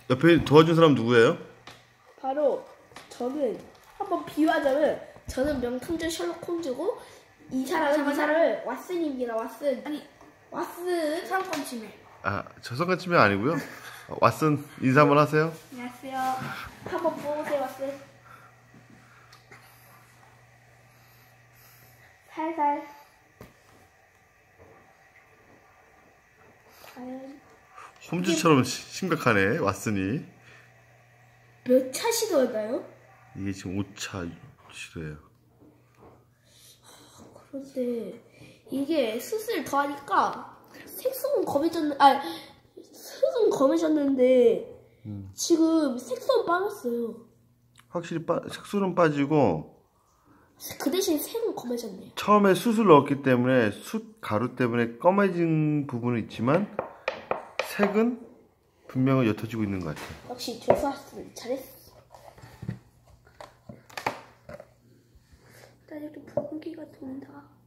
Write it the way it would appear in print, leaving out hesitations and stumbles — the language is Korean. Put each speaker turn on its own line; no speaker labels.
옆에 도와준 사람 누구예요?
바로 저는 한번 비유하자면 저는 명탐정 셜록 홈즈고 이 사람을 왓슨입니다. 왓슨. 아니 왓슨 상권 침해.
아, 저성간 치면 아니고요. 왓슨 인사 한번 하세요.
안녕하세요. 한번 보세요, 왓슨. 살살. 과연
홈즈처럼 심각하네, 왓슨이.
몇 차 시도였나요?
이게 지금 5차 시도예요.
그런데 이게 수술 더 하니까 색소는 검해졌는데 지금 색소는 빠졌어요.
확실히 색소는 빠지고
그 대신 색은 검해졌네요.
처음에 숯을 넣었기 때문에 숯 가루 때문에 검해진 부분은 있지만 색은 분명히 옅어지고 있는 것 같아요.
역시 조수학습을 잘했어. 나 이렇게 붉은기가 돈다.